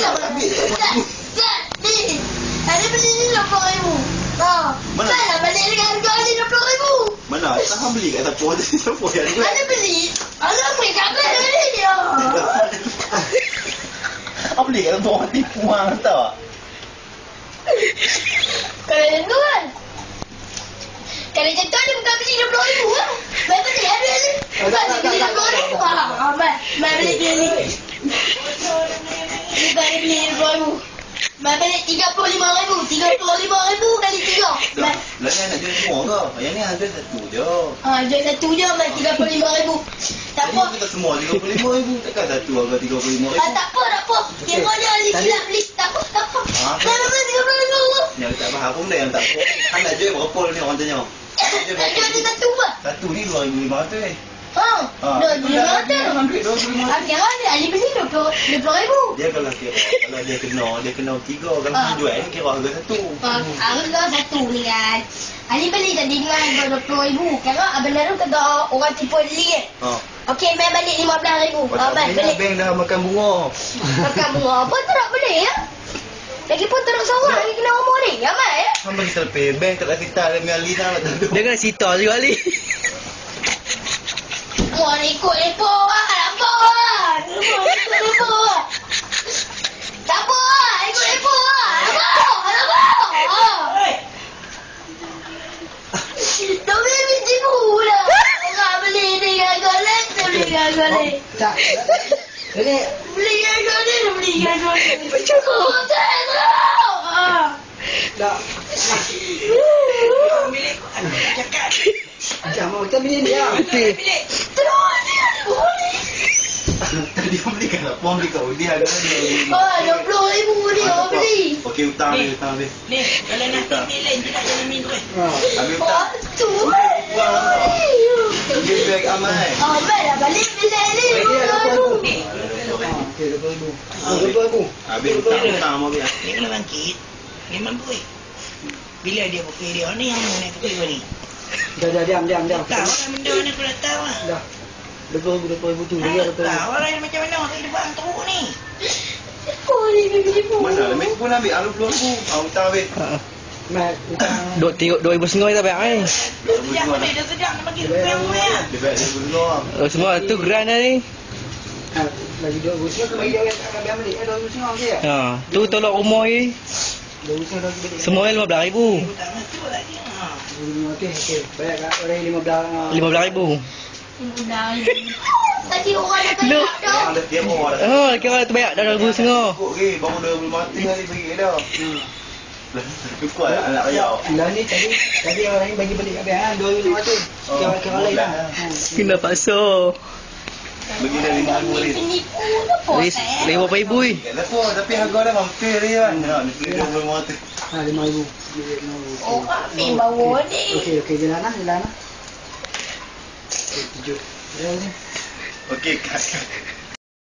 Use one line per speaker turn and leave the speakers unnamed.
Ambil tak ni. Ada beli ni 60,000. Mana? Salah balik dengan harga ni 60,000.
Mana? Tak beli kat siapa? Siapa yang jual?
Ada beli. Alah beli kat mana dia?
Apa beli kat siapa? Orang tipu hang tak?
Kalau macam tu kan. Kalau macam tu dia bukan beli 60,000 lah. Mai beli ada ni. Bukan dia beli 60,000. Mai beli dia ni. Bukan dia beli 60,000. Mai beli 35,000. 35,000 kali 3.
Lah ni nak jual semua ke? Yang ni ada satu je.
Jual satu je mai 35,000. Tak apa.
Jadi kita semua 35,000. Takkan satu harga 35,000.
Tak apa. Kira je Ali silap beli. Tak apa. Mai beli 30,000.
Yang tak faham pun dah yang tak apa. Kan nak jual berapa ni orang tanya?
Nak jual dia satu ke?
Satu ni 2,500 ni.
2,500.
Ambil 2,500.
Kira dia Ali beli 20,000.
Dia kalau dia kena 3. Kalau jual ni kira harga satu.
Harga satu ni kan. Ali beli tadi dengan harga 20,000. Kira benar tu kata orang tipu Ali Okey, mai balik 15,000. Mai balik.
Bank dah makan bunga.
Makan bunga apa tu nak beli ya? Lagipun teruk seorang lagi kena umur ni. Ya mai ya?
Hamba kita pay bank tak kita ada Ali dah nak tentu.
Dia kena sita juga Ali.
Wah, ni ikut lepo lah. Lepo lah. Lepo lah. Tak apa lah. Ikut lepo lah. Lepo. Tak boleh biji pula. Orang beli ni gagal-gagal. Dia beli gagal-gagal.
Tak. Jadi
Beli gagal-gagal. Dia beli gagal-gagal.
Macam
Oh, tak tahu.
tak. Jangan kita beli dia.
Terus dia boleh.
Tadi dia belikan apa? Beli kat Udi harga dia.
20,000 dia orang beli.
Okey, hutang habis.
Ni, kalau nak ambil lain tidak jangan minum kan.
Habis hutang.
Tu.
Give back Amai.
Amai dah balik bilik ni.
Okey, 20,000.
Habis hutang mau biar.
Ni kalau bangkit, memang boleh. Bila dia pakai dia ni yang nak pakai ni.
Dah diam.
Tahu lah benda ni aku dah tahu lah.
Dah. 20,000 tu dia 20,000.
Tahu lah macam mana orang hidup orang teruk ni.
Oh, ni beli pun.
Mana? Lemek pun ambil 20,000. Hutang habis.
Mai
Duk tengok 2,500 tak bayar ni.
Sejak ni dah sedap nak bagi rupiah lah.
Dia bayar dia dulu.
Semua tu geran dah ni.
bagi 2,000 bagi dia orang tak ambil balik 2,000 je.
Tu tolak rumah ni.
2,000 bagi balik.
Semua 15,000.
Okey. Bayar kat orang
15,000.
Tadi orang dah
Lu.
banyak dah.
Ada tiap orang.
Kira tu bayar dah 2,500.
Cukup ke? Baru 20 kali bagi dah. Cukup anak kaya.
Lah ni tadi orang lain bagi balik kat bank 2,500. Kira lain lah.
Kena paksa.
Bagi dah 5,000 ni.
Penipu apa?
5,000 ni.
Kenapa? Tapi harga dah hampir je kan. Nak beli 20
Ha 5,000.
Oh, ambil bawa ni.
Okey jalan lah. Okey, 7. Ya ni.
Okey, kat.